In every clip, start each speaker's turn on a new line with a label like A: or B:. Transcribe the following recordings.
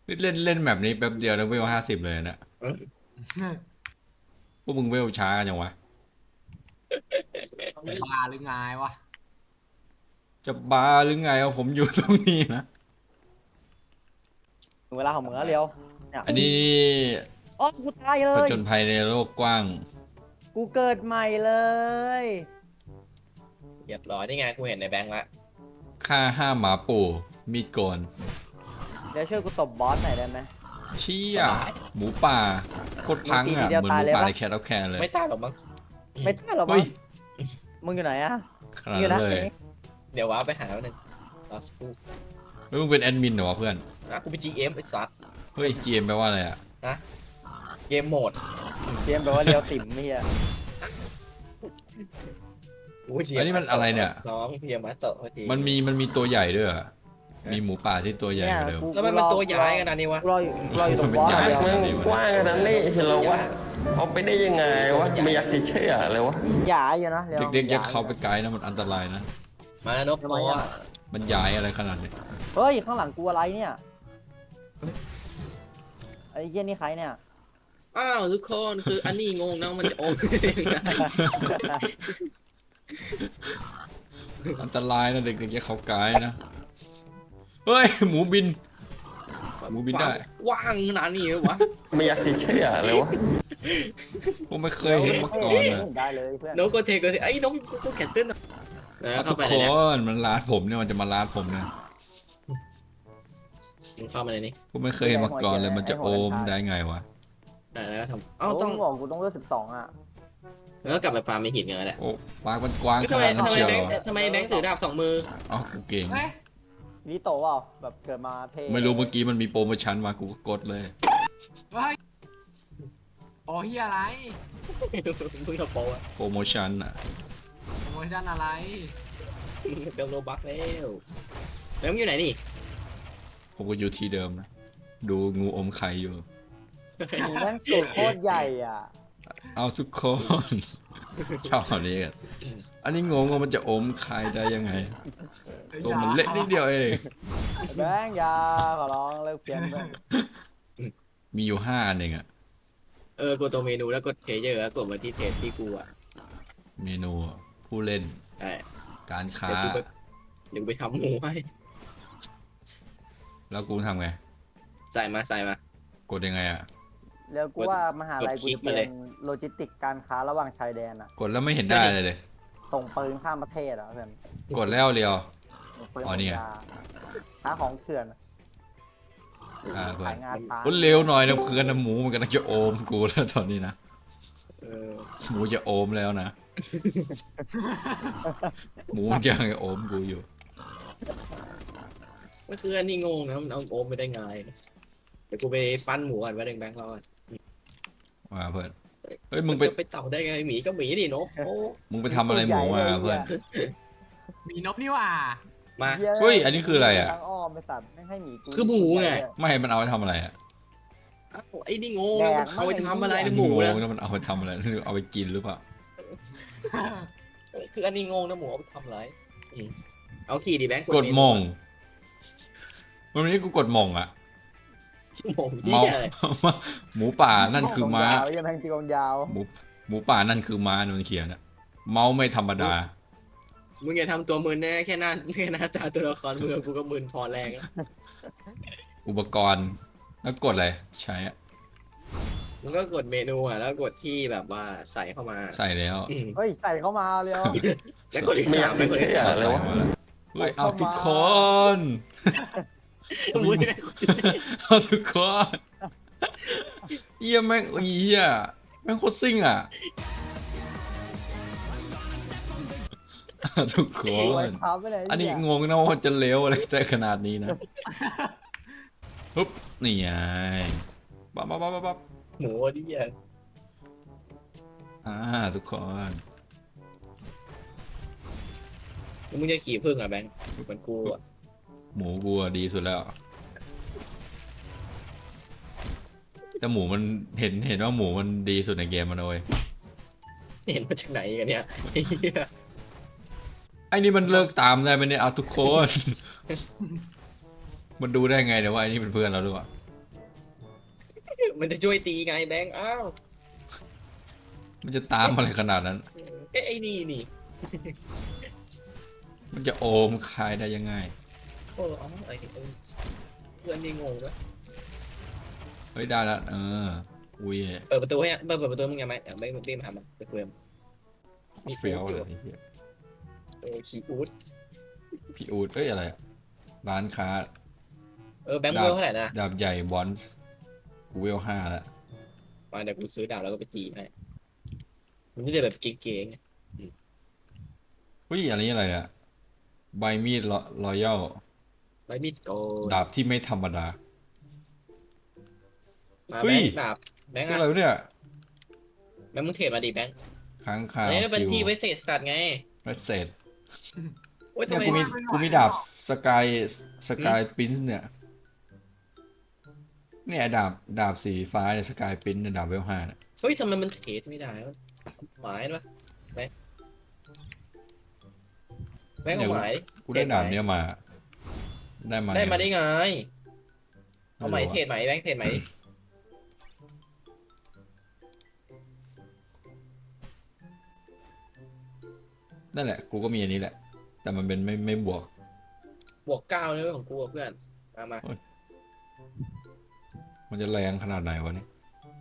A: เล่นแบบนี้แป๊บเดียวแล้วเวล50เลยนะ
B: เออ
A: พวกมึงเวลช้ากันจังวะ
C: บ้าหรือไงวะ
A: จะบ้าหรือไงเอาผมอยู่ตรงนี้นะ
D: ถึงเวลาของมึงแล้วเร็วเนี่ย
A: อันนี้
D: อ๋อกูตายเล
A: ผ
D: ย
A: จญภัยในโลกกว้าง
D: กูเกิดใหม่เลย
B: เรียบร้อยนี่ไงกูเห็นในแบงค์ละ
A: ฆ่าห้าหมาปู่มีดโกน
D: เดี๋ยวช่วยกูตบบอสหน่อยได้ไหม
A: เชี่ยหมูป่าโคตรพังอ่ะ
D: ทีเดียว
A: เหมือนห
D: ตาย
A: มู
D: เลย
A: ป่า
D: ปะ
A: ในแคทเอาแคนเลย
B: ไม่ตายหรอกมั้ง
D: ไม่ได้หรอ
A: เฮ้
D: มั้
A: ย
D: งมึงอยู่ไหนอะ
A: ขนาด
D: อยู่
A: นั้
D: นะ
A: นเลย
B: เดี๋ยวว้าไปหาแล้วหนึ่งลอสปู
A: เฮ้ยมึงเป็นแอดมินเหรอวะเพื่อน
B: นะกูเป็น GM ไอ้สัส
A: เฮ้ย GM แปลว่าอะไรอ่ะ
B: เกมโหมด
D: เตรียมแบบว่าเรียวติ๋มเมีย
B: กูเป็น GM
A: อันนี้มันอะไรเนี่ย
B: น้องเพียมาโตะพอดี
A: มันมีตัวใหญ่ด้วยเหรอมีหมูป่าที่ตัวใหญ่กว่าเดิม
B: แล้วมันตัวใหญ่ขนาดนี้วะ
D: รออยู่ตรงบอส
A: มันใหญ่
D: เดียว
E: มันกว้างขนาดนี้เฉลวะเอาไปได้ยังไงวะไม่อยากจะเชื่อเลยวะ
D: หยาอยู่นะร็ว
A: เด็กๆอย่าเข้าไปไกลนะมันอันตรายนะ
B: มาแล้วนกโตะ
A: มันย้ายอะไรขนาดนี้
D: เฮ้ยข้างหลังกูอะไรเนี่ยไอ้เหี้ยนี่ใครเนี่ย
B: อ้าวทุกคนคืออันนี้งงนะมันจะโอม
A: อันตรายนะเด็กๆอย่าเข้าไกลนะเฮ้ยหมูบิน หมูบินได้
B: ว่างขนาดนี้เหรอวะ
E: ไม่อยากจะเชื่อเลยวะ
A: ผมไม่เคยเห็นมาก่อนอ่ะ
D: ได้เลยเพื่อน
B: นกก็เทก็เทไอ้ยน้องกูแขนเต้นอ่ะเข้า
A: ทุก
B: ไป
A: ค
B: เลยเนี่ย
A: นมันลาดผมเนี่ยมันจะมาลาดผมเนี่ย
B: มึงเข้ามาเลยนี่
A: ผมไม่เคยเห็นมาก่อนเลยมันจะโอมได้ไงวะ
B: แล้วก็ทำ
D: เอ้า
B: เอ้า
D: ต้
B: ต้
D: อ
B: อง ง
D: บอกกูต้องเลือก12อ่ะ
B: แล้วก็กลับไปฟาร์มไม่หินกันแล้วแหละ
A: โอ้ปากมันกว้างข
B: ทำไม
A: นาดนั้น
B: ทำไม
A: เชียว
B: แบ
A: เห
B: ง
A: ร
B: ค์
A: อ
B: ทำไมแบงค์ถือดาบสองมือ
A: อ๋อกูเก่ง
C: เฮ้ย
D: ลิโตเปล่าแบบเกิดมาเท่
A: ไม่รู้เมื่อกี้มันมีโปรโมชั่นมากูก็กดเลย
C: เฮ้ยโอ้เฮียอะไร
B: เพิ่งทำโปรอะ
A: โปรโมชั่นอ่ะ
C: ขโมยด้านอะไร
B: เติมโลบัคแล้วแล้วมึงอยู่ไหนนี่
A: ผมก็อยู่ที่เดิมนะดูงูอมไข่อยู่
D: หมูแม่งสูตรโคตรใหญ่อ่ะ
A: เอาทุกคน ชอบอันนี้กันอันนี้งงว่ามันจะอมไข่ได้ยังไง ตัวมันเล็กนิดเดียวเอง
D: แบงค์อยาขอร้องเลิกเพี้ยนเพื่อน
A: มีอยู่5 อันเองอะ
B: กดตัวเมนูแล้วกดเพลเยอร์แล้วกดมาที่เทสที่กูอ่ะ
A: เมนูผู้เล่น
B: ใช่
A: การค้า
B: เดี๋ยวกูไปทำหมูให้
A: แล้วกูทำไง
B: ใส่มาใส่มาก
A: ดยังไงอะ
D: เดี๋ยวกูว่ามหาลัย
B: กดค
D: กู
B: ลิก
D: จะ
B: มา
D: เป็
B: เลย
D: นโลจิสติกการค้าระหว่างชายแดนอ่ะ
A: กดแล้วไม่เห็นได้เลย
D: ส่งปืนข้ามประเทศอ่ะเพื่อน
A: กดแล้วเรียว
D: ส่งปืน
A: อ๋อนี่ไง
D: ค้าของเถื่อน
A: เพื่อ
D: ขาน ยงาช้าง
A: กดเร็วหน่อยนะเพื่อนนะหมูมันกำลังจะโอมกูแล้วตอนนี้นะ
B: เออ
A: หมูจะโอมแล้วนะ หมูมันยังโอมกูอยู่
B: ก็คืออันนี้งงนะมันเอาโอมไปได้ไงเดี๋ยวกูไปปั้นหมูก่อนไว้แบงค์รอก่อน
A: มาเพื่อน เฮ้ยมึงไป
B: จะไปเต่าได้ไงหมีก็หมีดินกโอ้
A: มึงไปทำอะไรหมูมาเพื่อน
C: มีนบนี่หว่า
B: มา
A: เฮ้ยอันนี้คืออะไรอะ
D: ทางอ้อมไปสัตว์ไม่ให้หมีกู
B: คือหมูไง
A: ไม่มันเอาไปทำอะไรอะ
B: อ้าวไอ้นี่งงแล้วมันเอาไปทำอะไรในหมู
A: ง
B: นะ
A: งแล้วมันเอาไปทำอะไรเอาไปกินหรือเปล่า
B: คืออันนี้งงนะหมูเอาไปทำอะไรเอาขี่ดิแบงค์
A: กดหมองวันนี้กูกดหมองอะ
B: ชั่วโมงที่
A: เมา
B: อะไร
A: หมูป่านั่นคือม้า
D: ยาวยังแทงตีกองยาว
A: หมูป่านั่นคือม้าโดนเขียนอะเมาไม่ธรรมดา
B: มึงอย่าทำตัวมึนแน่แค่หน้าตาตัวละครมึงกูก็มึนพอแรงแล้ว
A: อุปกรณ์แล้วกดอะไรใช้อะ
B: มึงก็กดเมนูอ่ะแล้วกดที่แบบว่าใส่เข้ามา
A: ใส่แล้ว
B: อืม
D: เฮ้ยใส่เข้ามาเร็ว
B: แล้วกดที่
E: ไม่อ
B: สาย
E: าม ก
B: ไป
E: จะ
B: กด
E: เชื่
B: ที่
E: อ
B: สาม
E: เลยวะ
A: มาแล้วเฮ้ยเอาทุกคน
B: มึง
A: เอาทุกคนเยี่ยแม่งเยี่ยแม่งโคตรซิ่งอ่ะเอาทุกค
D: ไว้
A: น
D: เท้าไปไหน
A: อันนี้
D: เย
A: งงนะว่าจะเลี้ยวอะไรได้ขนาดนี้นะปุ๊บนี่ไงปั๊บปั๊บปั๊บปั๊บ
B: หมูดิอ่ะ
A: ทุกคน
B: แล้วมึงจะขี่พึ่งอ่ะแบงค์เหมือนกูอ่ะ
A: หมูกูอะดีสุดแล้วแต่หมูมันเห็นว่าหมูมันดีสุดในเกมมันเลย
B: เห็นมาจากไหนกันเนี่ยไอ้เหี้ย
A: ไอ้นี่มันเลิกตามได้ไหมเนี่ยเอาทุกคน มันดูได้ไงเดี๋ยวว่าไอ้นี่เป็นเพื่อนเราหรือเปล่า
B: มันจะช่วยตีไงแบงค์อ้าว
A: มันจะตามอะไรขนาดนั้น
B: เอ้ยไอ้นี่
A: มันจะโอมใครได้ยังไง
B: โอ้อ๋อไอ้เพื่อนนี่งงด้วย
A: เฮ้ยได้แล้วอุ้ย
B: เปิดประตูให้เปิดประตูมึงยังไงอยากไม่รีบมาหามันไปคุยมัน
A: เฟี้ยวเลยไอ้เหี้ย
B: ขี้อูด
A: พี่อูดเอ้ยอะไรอะร้านค้า
B: แบงค์เวลเท่าไหร่นะ
A: ดาบใหญ่บอนส์กูเวล5แล้ว
B: มาเดี๋ยวกูซื้อดาบแล้วก็ไปตีให้มันไม่ได้แบบเก๋ๆไง
A: เฮ้ยอันนี้อะไรเนี่ยใบมีดรอยัล
B: ใบมีดโก
A: ดาบที่ไม่ธรรมดา
B: มา
A: เฮ้
B: แบ
A: ย
B: งค์ดาบแบงค์
A: ตัว
B: อะ
A: อะไรวะเนี่ย
B: แบงค์มึงเทรดมาดิแบงค์
A: ค้างคาว
B: เอ้ยเป็น
A: ซิล
B: ที่ไว้เศษสัตว์ไง
A: ไม่เศษ
B: โอ้ย
A: เนี่
B: ทำ
A: ย
B: ไม
A: กูมีดาบสกายปิ้นเนี่ยดาบสีฟ้าเนี่ยสกายปิ้นเนี่ยดาบเวล5เนี่ย
B: เฮ้ยทำไมมันเทรดไม่ได้วะหมายปะแบงค์เอาหมาย
A: กูได้ดาบเนี่ยมา
B: ได้มาได้
A: ไง
B: ไงเอาไหมเทรดไหมแบงค์เทรดไหม
A: นั่นแหละกูก็มีอันนี้แหละ แต่มันเป็นไม่บวก
B: บวก9เลยของกูอะเพื่อนมา
A: มันจะแรงขนาดไหนวะเนี่ย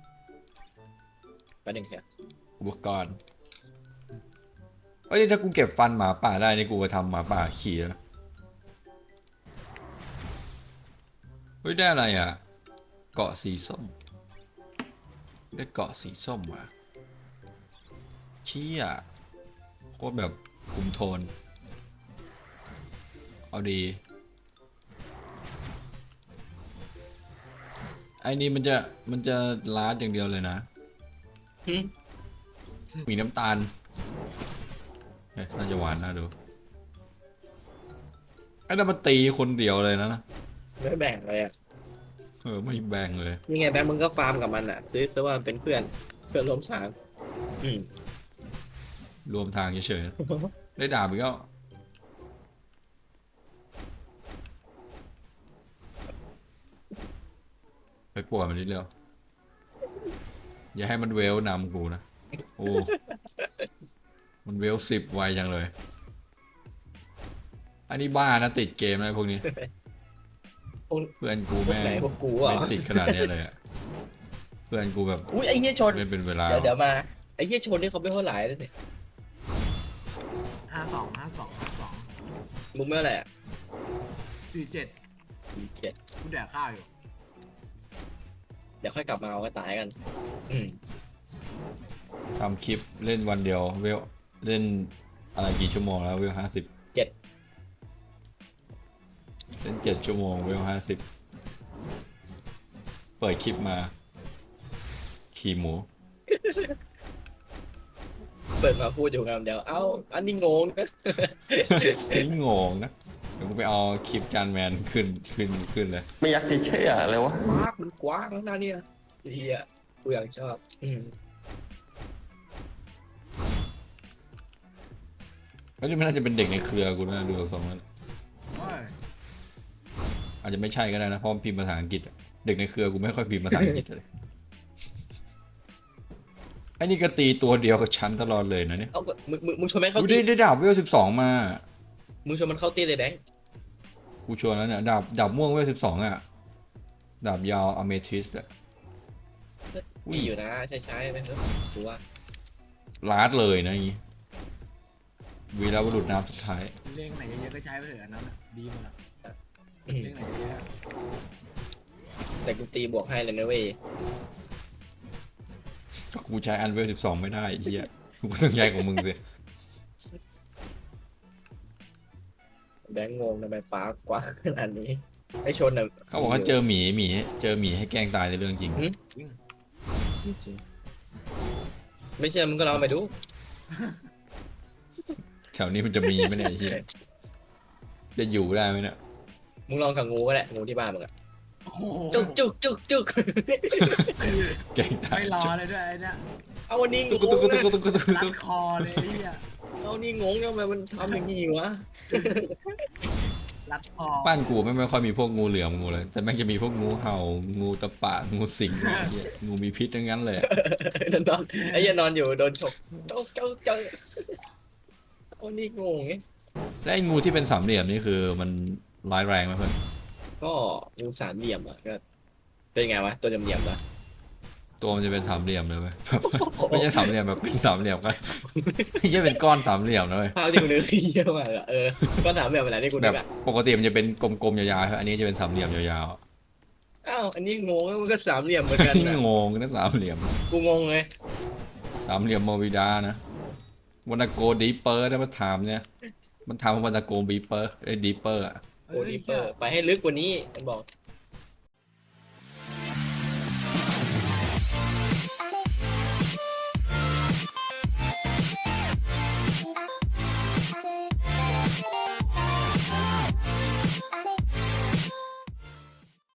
B: ไปหนึ่งเถอะ
A: อุปกรณ์เอ้ยถ้ากูเก็บฟันหมาป่าได้นี่กูจะทำหมาป่าขี่แล้วนะเฮ้ยได้อะไรอ่ะ เกาะสีส้ม ได้เกาะสีส้มว่ะเชี่ยโคตรแบบคุมโทน เอาดี ไอ้นี่มันจะลาดอย่างเดียวเลยนะ
B: หึ
A: มีน้ำตาลเฮ้ยน่าจะหวานน่าดู ไอ้นั่นมันตีคนเดียวเลยนะ
B: ไม่แบ่งเลยอ่ะ
A: ไม่แบ่งเลย
B: นี่ไงแบงค์มึงก็ฟาร์มกับมันอ่ะซื้อซะว่าเป็นเพื่อนร่วมทางอืม
A: รวมทางเฉยๆ ได้ดาบอีกแล้วไปปวดมันนิดเดียวอย่าให้มันเวลนำกูนะ โอ้ มันเวล10ไวจังเลย อันนี้บ้านะติดเกมอะไรพวกนี้ เพื่อนกู
B: พวก
A: แม่ง
B: ไหนพวกกูอ่ะ
A: ไม่ติดขนาดนี้เลยอะเพื่อนกูแบบ
B: อุ้ยไอ้เหี้ยชน
A: เล่นเป็นเวลา
B: เดี๋ยวมาไอ้เหี้ยชนนี่เขาไม่เท่าไหร่เลยเนี่ย
C: 52
B: มึงไม่เท่าไหร่อ่ะ
C: 47
B: 7
C: กูแดกข้าวอยู่
B: เดี๋ยวค่อยกลับมาเอาก็ตายกัน อืม
A: ทำคลิปเล่นวันเดียวเวลเล่นอะไรกี่ชั่วโมงแล้วเวล50
B: 7
A: เล่น7 ชั่วโมงเวล50เปิดคลิปมา ขี่หมู
B: เปิดมาพูดอยู่งามเดียวเอ้าอันนี้งงนะ
A: นี่งงนะ เดี๋ยวกูไปเอาคลิปจานแมนขึ้นเลย
E: ไม่อยากจะเชื่อเลยวะ
B: มันกว้างนะเนี่ยเฮียกูอยากชอบ อืม
A: แล้วนี่มันน่าจะเป็นเด็กในเครือกูนะดูจากทรงแล้ว
C: โอ้ย
A: อาจจะไม่ใช่ก็ได้นะเพราะมันพิมพ์ภาษาอังกฤษอะเด็กในเครือกูไม่ค่อยพิมพ์ภาษาอังกฤษเลยไอ้นี่ก็ตีตัวเดียวกับฉันตลอดเลยนะเนี่ย
B: เอามึงชวนแม่งเข้า
A: กู
B: ตี
A: ได้ดาบเวล12มา
B: มึงชวนมันเข้าตีเลยแบงค์
A: กูชวนแล้วเนี่ยดาบม่วงเวล12อ่ะดาบยาวอเมทิสอะ
B: มีอยู่นะใช้ไหมเออกูว่า
A: ลาดเลยนะอย่างงี้วีรบุรุษน้ำสุดท้าย
C: เล่งไหนเยอะๆก็ใช้ไปเถอะอันนั้นน่ะดีหมดละ
B: อืม
C: เล่งไหนเยอะ
B: แต่กูตีบวกให้เลยนะเว้ย
A: ก็กูใช้อันเวล12ไม่ได้ไอ้เหี้ยกูต้องใช้ของมึงสิ
B: แบงค์งงทำไมฟ้ากว้างขนาดนี้ไอ้ชนน่ะ
A: เขาบอกว่าเจอหมีให้แกล้งตายในเรื่องจริง
B: ไม่เชื่อมึงก็ลองไปดู
A: แถวนี้มันจะมีไหมเนี่ยไอ้เหี้ยจะอยู่ได้ไหมเนี่ย
B: มึงลองกับงูก็ได้งูที่บ้านมึงอะ
C: ๆโอ้โห
B: จุก
A: แกล้งตาย
C: ไม่รอเลยด้วยไอ้เนี่ย
B: เอาวันนี้ง
A: ตุ๊ก
B: ง
A: ตุ๊กตุ๊ก
B: นะ
A: ตุ๊กตุ๊กตุ๊ก
C: รั
A: ตุ๊
C: ด
A: ก
C: คอเลยไอ้เหี้ย
B: เอานี่งงทำไมมันทำอย่างนี้วะ
C: รัดคอ
A: บ้านกูไม่ค่อยมีพวกงูเหลือมงูเลย แต่แม่งจะมีพวกงูเห่างูตะปะงูสิงอะไรเงี้ยงูมีพิษทั้งนั้นเลย
B: นอนไอ้เหี้ยนอนอยู่โดนฉกเจ้าโอ้นี่งงไง
A: และไอ้งูที่เป็นสามเหลี่ยมนี่คือมันร้ายแรงไหมเพื่อน
B: ก็งูสามเหลี่ยมอ่ะก็เป็นไงวะตัวเหลี่ยมๆปะ
A: ตัวมันจะเป็นสามเหลี่ยมเลยไหม ไม่ใช่สามเหลี่ยมแบบเป็นสามเหลี่ยมก็ไม่ใช่เป็นก้อนสามเหลี่ยมนะเลย
B: ภาพที่กูนึกคือเยอะมากอะก็สามเหลี่ยมอะไรที่กู
A: แบ
B: นึ
A: บ
B: กอะ
A: ปกติมันจะเป็นกลมๆยาวๆครับอันนี้จะเป็นสามเหลี่ยมยาวๆ
B: อ้าวอันนี้งงมันก็สามเหลี่ยมเหมือนกันนะ
A: งงนะสามเหลี่ยม
B: กูงงเลย
A: สามเหลี่ยมโมวิดานะวันโกดีเปอร์ได้มาถามเนี่ยมันถามว่าวันโกบีเปอร์ไอ้ดีเปอร์อะ
B: โอ้ดีเปอร์ไปให้ลึกกว่านี้มันบอก